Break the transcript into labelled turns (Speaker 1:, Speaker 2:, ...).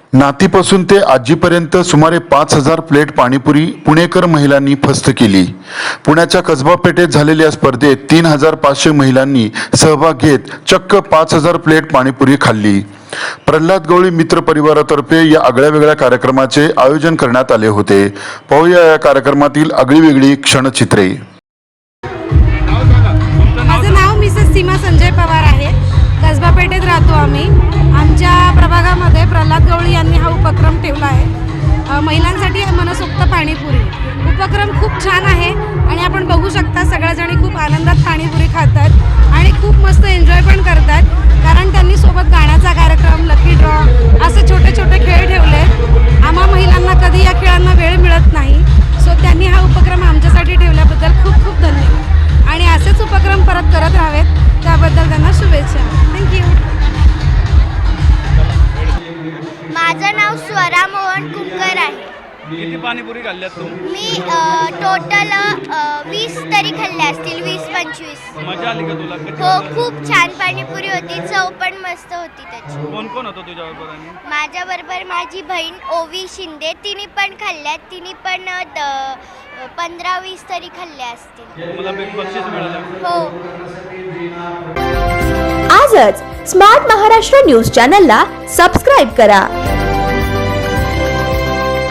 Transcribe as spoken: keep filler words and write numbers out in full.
Speaker 1: नातीपासून ते आजीपर्यंत सुमारे पाच हजार प्लेट पाणीपुरी पुणेकर महिलांनी फस्त केली। पुण्याच्या कसबा पेठेत झालेल्या स्पर्धेत तीन हजार पाचशे महिलांनी सहभाग घेत चक्क पाच हजार प्लेट पाणीपुरी खाल्ली। प्रल्हाद गवळी मित्र परिवारातर्फे या आगळ्या वेगळ्या कार्यक्रमाचे आयोजन करण्यात आले होते। पाहूया या कार्यक्रमातील आगळी वेगळी क्षणचित्रे।
Speaker 2: माझं नाव मिसेस सीमा संजय पवार आहे। कसबा पेठेत राहतो आम्ही। आमच्या प्रभागामध्ये प्रल्हाद गवळी यांनी हा उपक्रम ठेवला आहे, महिलांसाठी मनसोक्त पाणीपुरी। उपक्रम खूप छान आहे आणि आपण बघू शकता सगळ्याजणी खूप आनंदात पाणीपुरी खातात आणि खूप मस्त एन्जॉय पण करतात, कारण त्यांनी सोबत गाण्याचा कार्यक्रम, लकी ड्रॉ असे छोटे छोटे खेळ ठेवले। आम्हा महिलांना कधी या खेळांना वेळ मिळत नाही, सो त्यांनी हा उपक्रम आमच्यासाठी ठेवल्याबद्दल खूप खूप धन्यवाद आणि असेच उपक्रम परत करत राहावेत त्याबद्दल त्यांना शुभेच्छा। थँक्यू।
Speaker 3: माझं नाव स्वरा मोहन कुंकर आहे।
Speaker 4: किती पाणीपुरी खाल्ल्यात तू?
Speaker 3: मी टोटल वीस तरी खाल्ल्या असतील, वीस पंचवीस।
Speaker 4: मजा आली का तुला?
Speaker 3: हो, खूप छान पाणीपुरी होती, चव पण मस्त होती त्याची।
Speaker 4: कोण कोण होतं तुझ्याबरोबर? आणि
Speaker 3: माझ्याबरोबर माझी बहीण ओवी शिंदे, तिने पण खाल्ल्यात, तिने पण पंधरा वीस तरी खाल्ल्या असतील।
Speaker 4: मला बक्षीस मिळालं?
Speaker 3: हो।
Speaker 5: आजच स्मार्ट महाराष्ट्र न्यूज चॅनलला सबस्क्राईब करा।